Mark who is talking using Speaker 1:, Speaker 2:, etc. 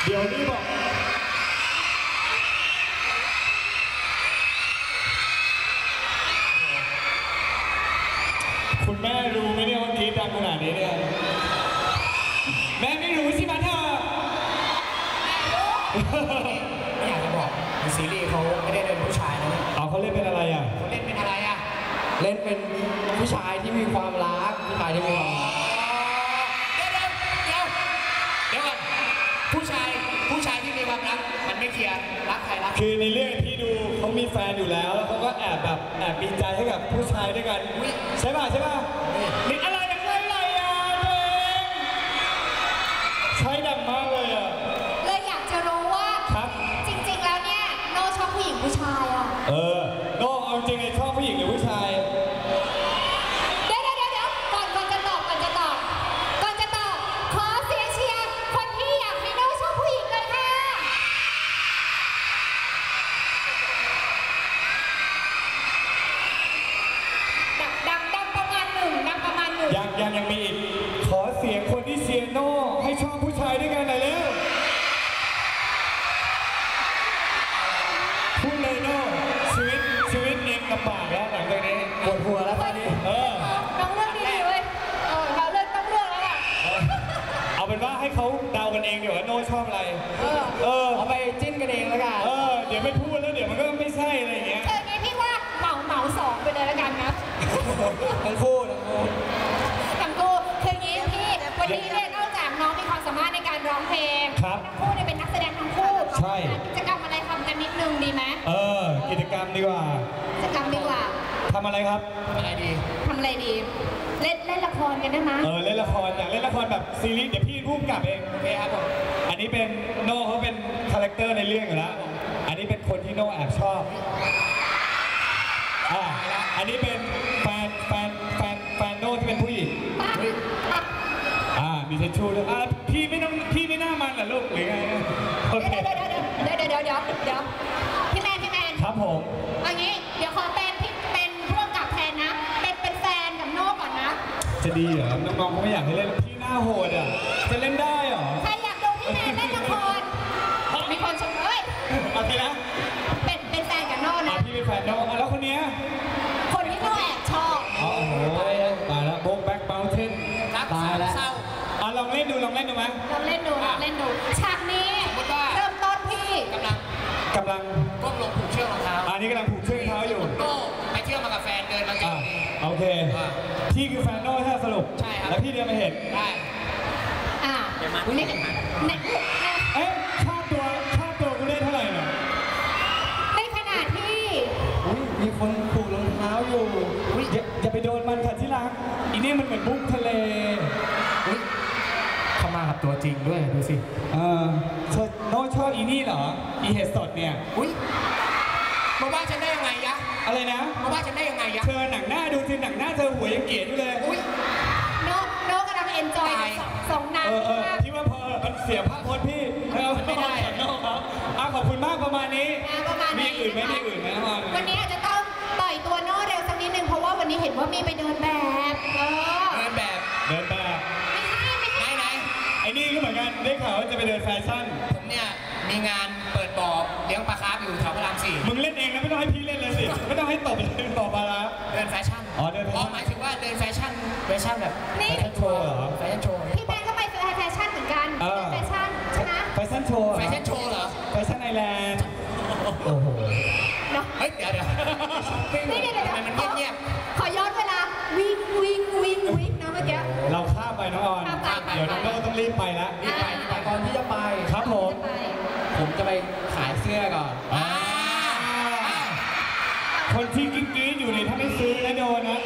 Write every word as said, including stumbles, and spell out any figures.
Speaker 1: เดี๋ยวนี้บอกคุณแม่รู้ไหมเนี่ยว่ากรี๊ดดังขนาดนี้เนี่ยแม่ไม่รู้ใช่ไหมเธอ
Speaker 2: ไม่อยากจะบอกในซีรีส์เขาไม่ได้เล่นผู้ชายนะ
Speaker 1: เอาเขาเล่นเป็นอะไรอ่ะ
Speaker 2: เขาเล่นเป็นอะไรอ่ะเล่นเป็นผู้ชายที่มีความรักผู้ชายที่มีความเดี๋ยวเดี๋ยวเดี๋ยวเดี๋ยวก่อนผู้ชายผู้ชายที่มีความรักมันไม่เคลียร์รักใครรัก
Speaker 1: คือในเรื่องที่ดูเขามีแฟนอยู่แล้วแล้วเขาก็แอบแบบแอบมีใจให้กับผู้ชายด้วยกันใช่ป่ะใช่ป่ะมีอะไรกันอะไรอ่ะเองใช้ดังมากเลยอ่ะ
Speaker 3: เลยอยากจะรู้ว่าจริงๆแล้วเนี่ยโน่ชอบผู้หญิงผู้ชายอ่ะ
Speaker 1: เออโน่เอาจริงไอ้ชอบผู้หญิงหรือผู้ชาย
Speaker 3: เดี๋ยวเดี๋ยวเดี๋ยวก่อนก่อนจะตอบก่อนจะตอบก่อนจะตอบขอเสียงเชียร์คนที่อยากให้โน่ชอบผู้หญิงเลยค่ะดังดังประมาณหนึ่งดังประมาณหนึ่ง
Speaker 1: ยังยังยังมีอีกขอเสียงคนที่เชียร์โน่ให้ชอบผู้ชายด้วยกันหน่อยเร็วพูดเลยโน่ชีวิตชีวิตเองลำบากแล้วหลังจากนี้
Speaker 2: ปวดหัวแล้วตอนนี้
Speaker 1: เออ
Speaker 3: น้องเลือกดีๆเว้ยเออเราเลือกต้องเลือกแล้วล่ะ
Speaker 1: เอาเป็นว่าให้เขาเดากันเองเดี๋ยวว่าโน่ชอบอะไร
Speaker 3: เออ
Speaker 1: เออ
Speaker 2: เอาไปจิ้นกันเองแล้วกัน
Speaker 1: เออเดี๋ยวไม่พูดแล้วเดี๋ยวมันก็ไม่ใช่อะไรอย่างเงี้ย
Speaker 3: เออไงพี่ว่าเหมาเหมาสองไปเลยแล้วกันนะ
Speaker 2: ทั้งคู่ทั้งคู่
Speaker 3: ทั้งคู่คืองี้พี่วันนี้เนี่ยนอกจากน้องมีความสามารถในการร้องเพลงทั้งคู่เนี่ยเป็นนักแสดงทั้งคู่
Speaker 1: ใช่
Speaker 3: กิจกรรมอะไรทำกันนิดนึงดีไหม
Speaker 1: เออกิจกรรมดีกว่า
Speaker 3: กิจกรรมดีกว่า
Speaker 1: ทำอะไรครับ
Speaker 2: ทำอะไรดี
Speaker 3: ทำอะไรดีเล่นเล่นละครกันได้ไหม
Speaker 1: เออเล่นละครอยากเล่นละครแบบซีรีส์เดี๋ยวพี่พูดกลับเอง
Speaker 2: โอเคครับผม
Speaker 1: อันนี้เป็นโน่เขาเป็นคาแรคเตอร์ในเรื่องอยู่แล้วอันนี้เป็นคนที่โน่แอบชอบอ่าอันนี้เป็นแฟนแฟนแฟนแฟนโน่ที่เป็นผู้หญิงอ่ามีเทชชูด้วยอ่าพี่ไม่ต้องพี่ไม่น่ามันเหรอลูกหรือไงโอเค
Speaker 3: เดี๋ยวเดี๋ยวเดี๋ยวเดี๋ยวเดี๋ยวเดี๋ยวพี่แมนพี่แมน
Speaker 1: ครับผม
Speaker 3: เอางี้เดี๋ยวขอเป็นพี่เป็นผู้กำกับแทนนะเป็นเป็นแฟนกับโน่ก่อนนะ
Speaker 1: จะดีเหรอน้องๆเขาไม่อยากให้เล่นพี่หน้าโหดอ่ะจะเล่นได้เหรอ
Speaker 3: ใครอยากดูพี่แมนเล่นละครมีคนชมเอ้ย
Speaker 1: โอเคนะ
Speaker 3: เป็นเป็นแฟนกับโน่นะ
Speaker 1: พี่เป็นแฟนโน่แล้วคนเนี้ย
Speaker 3: คนที่โน่แอบชอบ
Speaker 1: อ๋อโอ้โหตายแล้วโบ๊กแบ็คเบลเทน
Speaker 2: ตายแล้ว
Speaker 1: อ่ะลองเล่นดูลองเล่นดูไหม
Speaker 3: ลองเล่นดูลองเล่นดูฉากนี้เริ่มต้นพี่
Speaker 2: กำลัง
Speaker 1: กำลัง
Speaker 2: ก้มลงผูกเชือกรองเท้า
Speaker 1: อันนี้กำลังผูกเชือกเท้าอยู่
Speaker 2: โน่ไปเที่ยวมากับแฟนเดินมาเจอ
Speaker 1: โอเคพี่คือแฟนโน่ถ้าสรุป
Speaker 2: ใช่ครับ
Speaker 1: แล้วพี่เดินมาเห็น
Speaker 2: ได้
Speaker 3: อ่า
Speaker 2: เดี๋ยวมานี่กันมา
Speaker 1: เอ๊ะค่าตัวค่าตัวกูได้เท่าไหร่เนี่ย
Speaker 3: ในขณะที่
Speaker 2: มีคนผูกรองเท้าอยู่
Speaker 1: อย่าอย่าไปโดนมันค่ะที่รักอีนี่มันเหมือนบุ๊กทะเล
Speaker 2: เข้ามากับตัวจริงด้วยดูสิ
Speaker 1: เออเธอโน้ชอบอีนี่เหรออีเห็ดสดเนี่ย
Speaker 2: อุ้ยมาว่าฉันได้ยังไงยะ
Speaker 1: อะไรนะ
Speaker 2: มาว่าฉันได้ยังไงยะ
Speaker 1: เธอหนังหน้าดูสิหนังหน้าเธอหัวยังเกลียดอยู่เลย
Speaker 2: อุ้ย
Speaker 3: โน้โน้กำลังเอนจอยสองนาง
Speaker 1: ที่ว่าพอมันเสียภาพพจน์พี่เราไม่ได้โน้ครับอ่ะขอบคุณมากประมาณนี้มีอื่นไหมมีอื่นไหม
Speaker 3: วันนี้อาจจะต้องต่อยตัวโน้เร็วสักนิดนึงเพราะว่าวันนี้เห็นว่ามีไปเดินแบบเออ
Speaker 2: เดินแบบ
Speaker 1: เดินแบบ
Speaker 3: ไม่ใช่ไม่ใช่
Speaker 2: ไหน
Speaker 1: ไอ้นี่ก็เหมือนกันได้ข่าวว่าจะไปเดินแฟชั่น
Speaker 2: ผมเนี่ยมีงานเปิดบ่อเลี้ยงปลาคาร์ฟอยู่แถวพระรามสี่
Speaker 1: มึงเล่นเองนะไม่ต้องให้พี่เล่นเลยสิไม่ต้องให้ตบเป็นต่อมาละ
Speaker 2: เดินแฟชั่น
Speaker 1: อ๋อเดิน
Speaker 2: หมายถึงว่าเดินแฟชั่นแฟชั่นแบบ
Speaker 1: แฟชั่นโชว์เหรอ
Speaker 2: แฟชั่นโชว์
Speaker 3: พี่แมนก็ไปแฟชั่นเหมือนกันแฟชั่นใช่ไหม
Speaker 1: แฟชั่นโชว์
Speaker 2: แฟชั่นโชว์เหรอ
Speaker 1: แฟชั่นไอแลนด์โอ้โห
Speaker 2: เฮ้ยเดี๋ยวเดี๋ยว
Speaker 3: นี่เดี๋ยวเดี๋ยว
Speaker 2: มันเงียบ
Speaker 3: ขอย้อนเวลาวิ่งวิ่งวิ่งวิ่งนะเมื่อกี้
Speaker 1: เราข้ามไปน้องออนเดี๋ยวน้องโน่ต้องรีบไปแล้ว
Speaker 2: รีบไปรีบไปก่อนที่จะไป
Speaker 1: ครับผม
Speaker 2: ผมจะไปขายเสื้อก่อน
Speaker 1: คนที่กิ๊กๆอยู่ในถ้าไม่ซื้อนะโดนนะ